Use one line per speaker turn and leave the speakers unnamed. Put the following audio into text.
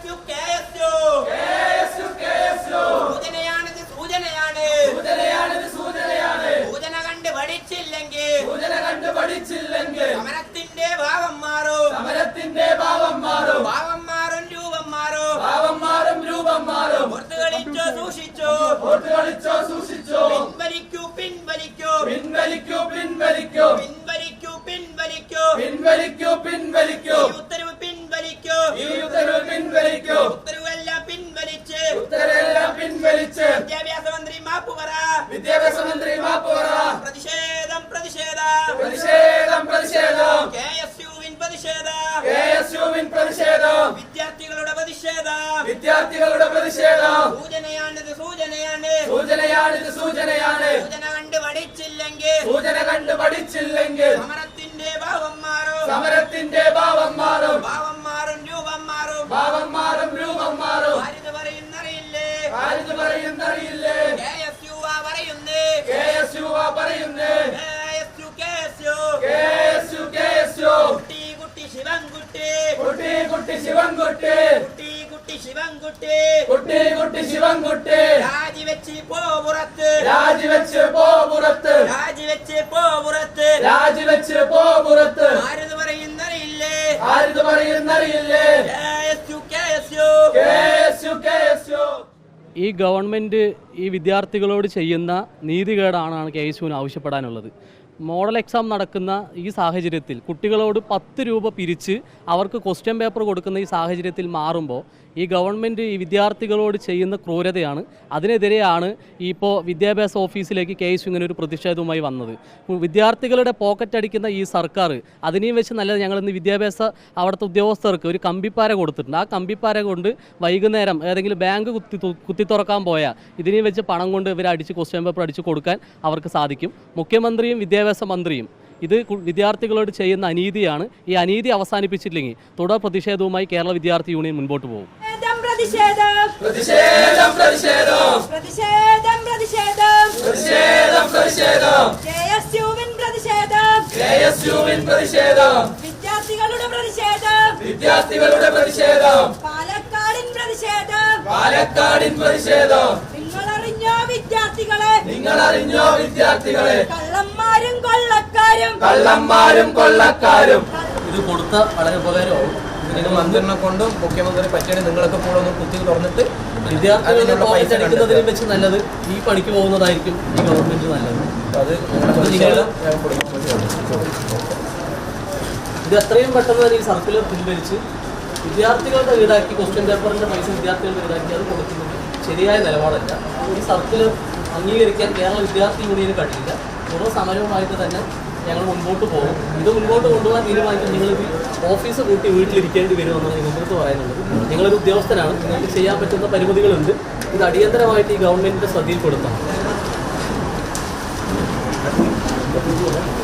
സമരത്തിന്റെ ഭാവം മാറും, സമരത്തിന്റെ ഭാവം മാറും, ഭാവം മാറും രൂപം മാറും, ഭാവം മാറും രൂപം മാറും. ഓർത്തുകളിച്ചോ സൂക്ഷിച്ചോ, ഓർത്തുകളിച്ചോ സൂക്ഷിച്ചോ. പിൻവലിക്കൂ പിൻവലിക്കൂ, പിൻവലിക്കൂ പിൻവലിക്കൂ, പിൻവലിക്കൂ പിൻവലിക്കൂ, പിൻവലിക്കൂ പിൻവലിക്കൂ. ഈ ഉത്തരവ് പിൻവലിക്കൂ, ഈ ഉത്തരവ് പിൻവലിക്കൂ. ഉത്തരവെല്ലാം പിൻവലിച്ച്, ഉത്തരവെല്ലാം പിൻവലിച്ച്. വിദ്യാഭ്യാസ മന്ത്രി മാപ്പ് പറ, വിദ്യാഭ്യാസ മന്ത്രി മാപ്പ് പറ. പ്രതിഷേധം പ്രതിഷേധം പ്രതിഷേധം പ്രതിഷേധം. KSUവിൻ പ്രതിഷേധം, KSUവിൻ പ്രതിഷേധം. വിദ്യാർത്ഥികളുടെ പ്രതിഷേധം, വിദ്യാർത്ഥികളുടെ പ്രതിഷേധം. സൂചനയാണിത് സൂചനയാണ്, സൂചനയാണിത് സൂചനയാണ്. സൂചന കണ്ട് പഠിച്ചില്ലെങ്കിൽ, സൂചന കണ്ട് പഠിച്ചില്ലെങ്കിൽ സമരത്തിന്റെ ഭാവം മാറും, സമരത്തിന്റെ ഭാവം മാറും, ഭാവം മാറും രൂപം മാറും, ഭാവം മാറും രൂപം മാറും. ആരിത് പറയുന്നറിയില്ലേ, ആരിത് പറയുന്നറിയില്ലേ. KSU പറയുന്നേ, KSU പറയുന്നേ. KSU KSU KSU. കുട്ടി കുട്ടി ശിവൻകുട്ടി, കുട്ടി കുട്ടി ശിവൻകുട്ടി, കുട്ടി കുട്ടി ശിവൻകുട്ടി, കുട്ടി കുട്ടി ശിവൻകുട്ടി. രാജിവെച്ച് പോ പുറത്ത്, രാജിവെച്ച് പോ പുറത്ത്, രാജിവെച്ച് പോ പുറത്ത്, രാജിവെച്ച് പോ പുറത്ത്. ആരിത് പറയുന്നറിയില്ലേ, ആരിത് പറയുന്നറിയില്ലേ. KSU KSU KSU KSU.
ഈ ഗവൺമെൻറ് ഈ വിദ്യാർത്ഥികളോട് ചെയ്യുന്ന നീതികേടാണ് KSUവിന് ആവശ്യപ്പെടാനുള്ളത്. മോഡൽ എക്സാം നടക്കുന്ന ഈ സാഹചര്യത്തിൽ കുട്ടികളോട് 10 രൂപ പിരിച്ച് അവർക്ക് ക്വസ്റ്റ്യൻ പേപ്പർ കൊടുക്കുന്ന ഈ സാഹചര്യത്തിൽ മാറുമ്പോൾ ഈ ഗവൺമെൻറ് ഈ വിദ്യാർത്ഥികളോട് ചെയ്യുന്ന ക്രൂരതയാണ്. അതിനെതിരെയാണ് ഇപ്പോൾ വിദ്യാഭ്യാസ ഓഫീസിലേക്ക് KSU ഇങ്ങനെ ഒരു പ്രതിഷേധവുമായി വന്നത്. വിദ്യാർത്ഥികളുടെ പോക്കറ്റ് അടിക്കുന്ന ഈ സർക്കാർ അതിനെയും വെച്ച് നല്ലത് ഞങ്ങളിന്ന് വിദ്യാഭ്യാസ അവിടുത്തെ ഉദ്യോഗസ്ഥർക്ക് ഒരു കമ്പിപ്പാര കൊടുത്തിട്ടുണ്ട്. ആ കമ്പിപ്പാര കൊണ്ട് വൈകുന്നേരം ഏതെങ്കിലും ബാങ്ക് കുത്തി തുറക്കാൻ പോയാൽ ഇതിനെയും വെച്ച് പണം കൊണ്ട് ഇവർ അടിച്ച് ക്വസ്റ്റ്യൻ പേപ്പർ അടിച്ച് കൊടുക്കാൻ അവർക്ക് സാധിക്കും. മുഖ്യമന്ത്രിയും വിദ്യാഭ്യാസ മന്ത്രിയും ഇത് വിദ്യാർത്ഥികളോട് ചെയ്യുന്ന അനീതിയാണ്. ഈ അനീതി അവസാനിപ്പിച്ചില്ലെങ്കിൽ തുടർ പ്രതിഷേധവുമായി കേരള വിദ്യാർത്ഥി യൂണിയൻ മുൻപോട്ട് പോകും.
പ്രതിഷേധം പ്രതിഷേധം പ്രതിഷേധം പ്രതിഷേധം പ്രതിഷേധം പ്രതിഷേധം പ്രതിഷേധം. KSUവിൻ പ്രതിഷേധം, KSUവിൻ പ്രതിഷേധം. വിദ്യാർത്ഥികളുടെ പ്രതിഷേധം, വിദ്യാർത്ഥികളുടെ പ്രതിഷേധം. പാലക്കാടിൻ പ്രതിഷേധം, പാലക്കാടിൻ പ്രതിഷേധം. നിങ്ങളറിഞ്ഞോ വിദ്യാർത്ഥികളെ, നിങ്ങളറിഞ്ഞോ വിദ്യാർത്ഥികളെ. കള്ളന്മാരും കൊള്ളക്കാരും, കള്ളന്മാരും കൊള്ളക്കാരും.
ഇത് കൊടുത്ത വളരെ ഉപകാരമാവും.
ഇതിന് മന്ത്രിനെ കൊണ്ടും മുഖ്യമന്ത്രി പറ്റിയാണ് നിങ്ങളൊക്കെ കൂടെ ഒന്ന് കുത്തി തുറന്നിട്ട്
വിദ്യാർത്ഥികളുടെ പൈസ അടിക്കുന്നതിനെ വെച്ച് നല്ലത് ഈ പണിക്ക് പോകുന്നതായിരിക്കും ഈ ഗവൺമെൻറ് നല്ലത്.
അത്
ഇത് എത്രയും പെട്ടെന്ന് തന്നെ ഈ സർക്കുലർ പിൻവലിച്ച് വിദ്യാർത്ഥികളുടെ ഈടാക്കി ക്വസ്റ്റ്യൻ പേപ്പറിൻ്റെ പൈസ വിദ്യാർത്ഥികളുടെ ഈടാക്കി അത് കൊടുക്കുന്നത് ശരിയായ നിലപാടല്ല. ഈ സർക്കുലർ അംഗീകരിക്കാൻ കേരള വിദ്യാർത്ഥി യൂണിയന് കഴിയില്ല. തുടർ സമരവുമായിട്ട് തന്നെ ഞങ്ങൾ മുൻപോട്ട് പോകും. ഇത് മുൻപോട്ട് കൊണ്ടുപോകാൻ തീരുമാനിക്കും. നിങ്ങളിത് ഓഫീസ് കൂട്ടി വീട്ടിലിരിക്കേണ്ടി വരുമെന്നാണ് നിങ്ങൾക്ക് പറയാനുള്ളത്. നിങ്ങളൊരു ഉദ്യോഗസ്ഥനാണ്, നിങ്ങൾക്ക് ചെയ്യാൻ പറ്റുന്ന പരിമിതികളുണ്ട്. ഇത് അടിയന്തരമായിട്ട് ഈ ഗവൺമെൻറ്റിൻ്റെ ശ്രദ്ധയിൽപ്പെടുത്തണം.